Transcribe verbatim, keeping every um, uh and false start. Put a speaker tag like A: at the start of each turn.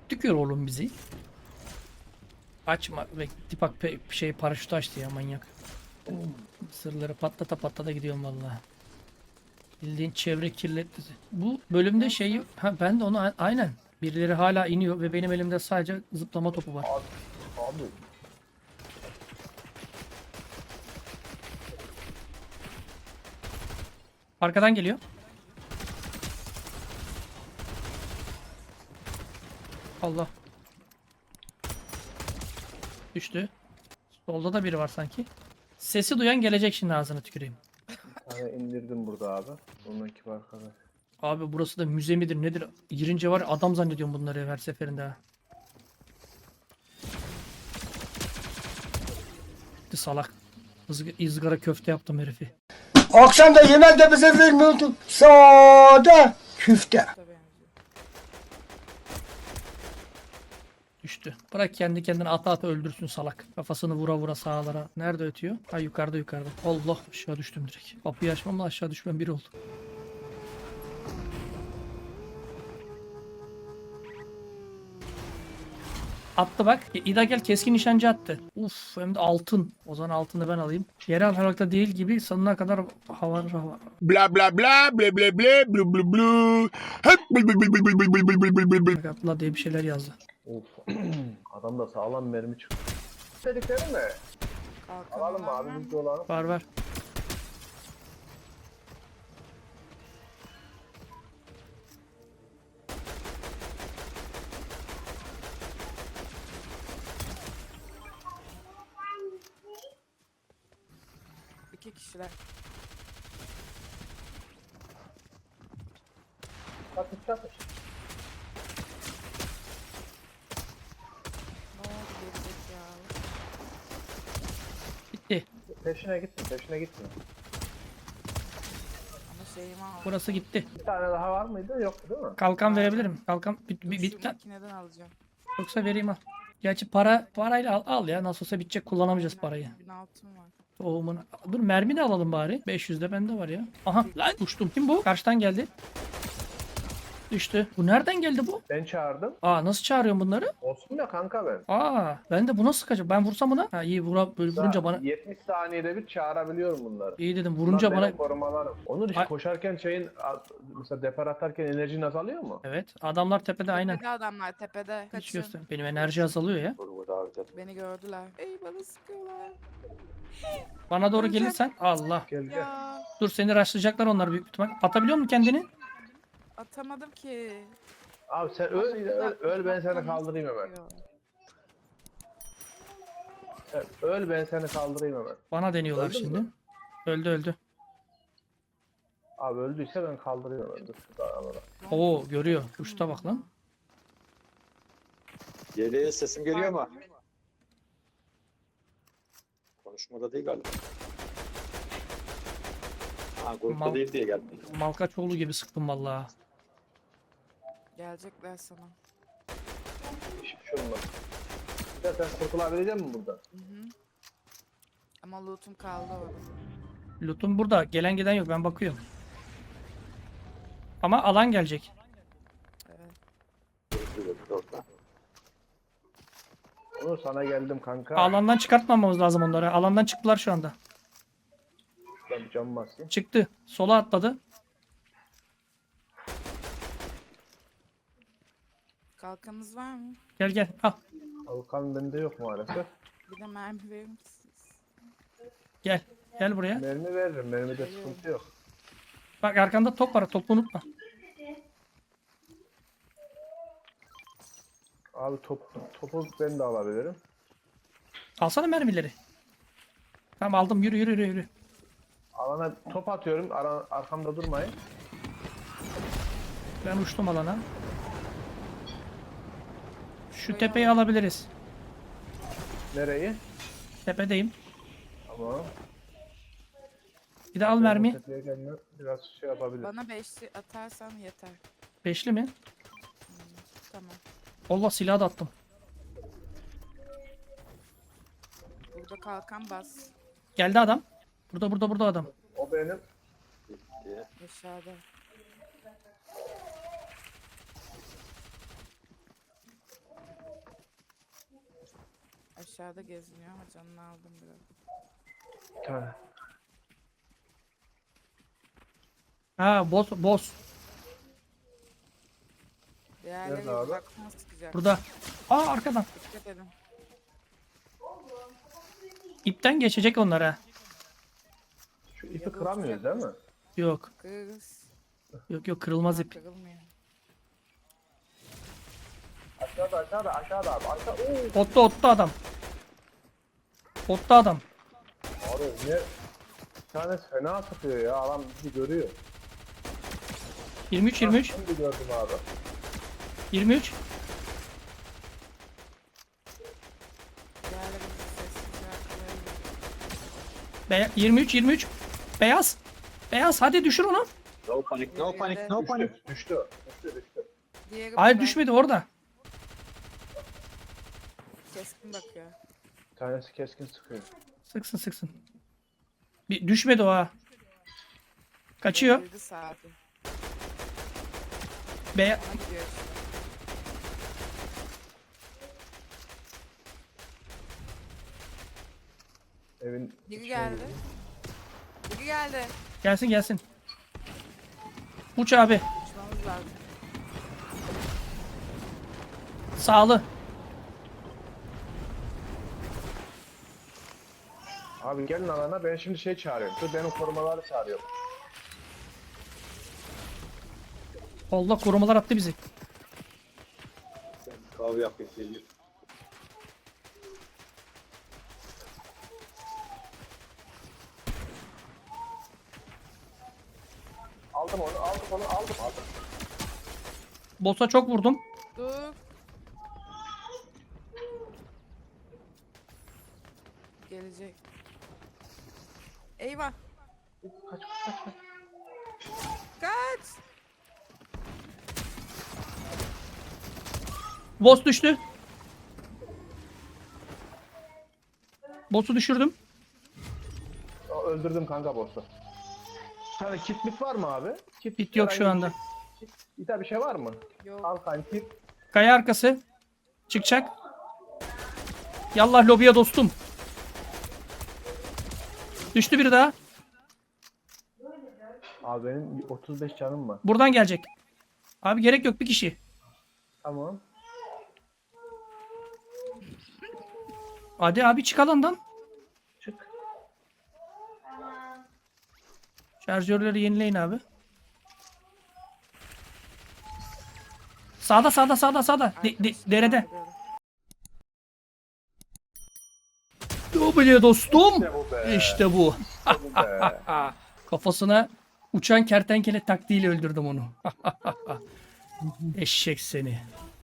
A: Tükür oğlum bizi. Açma. Ve tipak pe- şey paraşütü açtı ya manyak. Sırları patlata patlata gidiyorum vallahi. Bildiğin çevre kirletti. Bu bölümde şey ha ben de onu a- aynen. Birileri hala iniyor ve benim elimde sadece zıplama topu var.
B: Abi, abi
A: Arkadan geliyor. Allah. Düştü. Solda da biri var sanki. Sesi duyan gelecek şimdi ağzına tüküreyim.
B: bir tane indirdim burada abi. Onunki var arkadaş.
A: Abi burası da müze midir nedir? Girince var ya, adam zannediyorum bunları her seferinde ha. Gitti salak. Izg- ızgara köfte yaptım herifi.
C: Akşam da yemek de bize vermiyordun. Sade küfte.
A: Düştü. Bırak kendi kendine ata ata öldürsün salak. Kafasını vura vura sağlara. Nerede ötüyor? Ha yukarıda yukarıda. Allah aşağı düştüm direkt. Kapıyı açmamla aşağı düşmem bir oldu. Attı bak. E, İda gel keskin nişancı attı. Uf hem de altın. O zaman altını ben alayım. Yerel harekette değil gibi sonuna kadar hava hava.
D: Bla bla bla bla bla bla blu blu blu. Hep bul bul bul bul bul bul bul bul bul bul.
A: Abla diye bir şeyler yazdı.
B: Of. Adam da sağlam mermi çıktı. Dedikleri mi? Alalım mı abi biz de olalım.
A: Var var.
E: İki kişiler.
B: Çatış çatış.
E: Ne oldu gerizekalı?
A: Bitti.
B: Peşine gitme peşine gitme.
E: Ama şeyimi aldım.
A: Burası gitti.
B: Bir tane daha var mıydı? Yoktu değil mi?
A: Kalkan verebilirim. Kalkan bit,
E: Dur,
A: bit, bit,
E: şu makineden alacağım.
A: yoksa vereyim al. Gerçi para parayla al, al ya. Nasıl olsa bitecek kullanamayacağız parayı.
E: Bin altın var.
A: Tohumunu. Dur mermi de alalım bari. beş yüz de bende var ya. Aha lan uçtum. Kim bu? Karşıdan geldi. Düştü. Bu nereden geldi bu?
B: Ben çağırdım.
A: Aa nasıl çağırıyorum bunları?
B: Olsun ya kanka ben.
A: Aa ben de buna sıkacağım. Ben vursam buna. Ha iyi vura, böyle vurunca bana.
B: yetmiş saniyede bir çağırabiliyorum bunları.
A: İyi dedim
B: Bunlar
A: vurunca
B: benim
A: bana.
B: korumalarım. Onur işte
A: Ay-
B: koşarken şeyin mesela depar atarken enerjin azalıyor mu?
A: Evet adamlar tepede aynen.
E: Tepede adamlar tepede.
A: Hiç
E: Kaçın.
A: göster. Benim enerji azalıyor ya.
E: Beni gördüler. Ey bana sıkıyorlar.
A: Bana doğru gelirsen Allah.
B: Gel gel.
E: Ya
A: Dur seni rushlayacaklar onlar büyük ihtimal. Atabiliyor musun kendini?
E: atamadım ki.
B: Abi sen öl, öl, öl ben seni kaldırayım hemen. Sen öl ben seni kaldırayım hemen.
A: Bana deniyorlar
B: Öldün
A: şimdi.
B: mü?
A: Öldü öldü.
B: Abi öldüyse ben kaldırayım hemen. Dur şurada arada.
A: Oo görüyor. Uçta bak lan.
F: Yeleğe sesim geliyor mu? Konuşmada değil galiba. Ha grupta
A: Mal-
F: değil diye geldi.
A: Malkaçoğlu gibi sıktım vallahi.
E: Gelecekler sana.
B: Hiçbir şey olmaz. Bir de sen kurtulabilecek misin burada?
E: Hı hı. Ama loot'um kaldı orada.
A: Loot'um burada. Gelen giden yok. Ben bakıyorum. Ama alan gelecek.
E: Evet.
F: Grupta orada.
B: Onur sana geldim kanka.
A: Alandan çıkartmamamız lazım onları. Alandan çıktılar şu anda.
B: Şuradan bir cam basayım.
A: Çıktı. Sola atladı.
E: Kalkanınız var mı?
A: Gel gel. Al.
B: Kalkan bende yok maalesef.
E: Bir de mermi verir misiniz?
A: Gel. Gel buraya.
B: Mermi veririm. Mermide sıkıntı yok.
A: Bak arkanda top var. Topu unutma.
B: Abi top, topu ben de alabilirim.
A: Alsana mermileri. Tamam aldım. Yürü yürü yürü. yürü.
B: Alana top atıyorum. Ara, arkamda durmayın.
A: Ben uçtum alana. Şu tepeyi alabiliriz.
B: Nereyi?
A: Tepedeyim.
B: Tamam.
A: Bir de al mermi.
B: Tepeye gelme biraz şey yapabilir.
E: Bana beşli atarsan yeter.
A: Beşli mi?
E: Tamam.
A: Allah silahı da attım.
E: Burada kalkan bas.
A: Geldi adam. Burada burada burada adam.
B: O benim.
F: Diye.
E: Aşağıda. aşağıda geziniyor ama canını aldım biraz.
B: Bir tane.
A: Ha boss boss.
E: Diğerleri
B: Nerede abi?
E: uzaktan sıkacak.
A: Burada. Aa arkadan.
E: Dikkat edin.
A: İpten geçecek onlar ha.
B: Şu ipi kıramıyoruz değil mi?
A: Yok.
E: Kız.
A: Yok yok kırılmaz ip.
E: Kırılmıyor.
B: Aşağıda aşağıda aşağıda abi. Aşağı. Oo.
A: Otta otta adam. Otta adam.
B: Abi ne? Bir tane fena sıkıyor ya. Adam bizi görüyor.
A: yirmi üç yirmi üç.
B: Şimdi gördüm abi.
A: yirmi üç.
E: Diğerleri bizi sessizce arkalayabilir.
A: Be yirmi üç yirmi üç. Beyaz. Beyaz hadi düşür onu.
F: No panik, no panik, no panik.
B: Düştü. Düştü. Düştü düştü.
E: Diğeri
A: Hayır
E: burada.
A: düşmedi orada.
E: Keskin bakıyor.
B: Bir tanesi keskin sıkıyor.
A: Sıksın sıksın. Bir düşmedi o ha. Kaçıyor.
E: Devirdi saati.
A: Be
E: Ona gidiyor işte.
B: Evin
E: Biri
B: içine
E: geldi.
B: girdi.
E: Biri geldi.
A: gelsin gelsin. Uç abi.
E: Uçmamız lazım.
A: Sağlı.
B: Abi gelin alana, ben şimdi şey çağırıyorum. Dur benim korumaları çağırıyorum.
A: Allah korumalar attı bizi.
F: Ben kahve yapayım. Geliyor.
B: Aldım onu, aldım onu, aldım, aldım.
A: Boss'a çok vurdum.
E: Dur. Gelecek. Eyvah.
B: Kaç, kaç, kaç.
E: Kaç.
A: Boss düştü. Boss'u düşürdüm.
B: Aa, öldürdüm kanka boss'u. Bir tane kit mit var mı abi? Kit,
A: Bit yok şu
B: herhangi
A: anda.
B: bir Kit, bir tane bir şey var mı?
E: Yok.
B: Al kanka kit.
A: Kaya arkası. Çıkacak. Yallah lobiye dostum. Düştü biri daha.
B: Abi benim otuz beş canım var.
A: Buradan gelecek. Abi gerek yok bir kişi.
B: Tamam.
A: Hadi abi çık alandan.
B: Çık.
A: Şarjörleri yenileyin abi. Sağda sağda sağda sağda. De- de-
E: Arkadaşım
A: derede.
E: kaldırıyorum.
A: W dostum.
B: İşte bu be.
A: İşte bu.
B: Bu be.
A: Kafasına uçan kertenkele taktiğiyle öldürdüm onu. Eşek seni.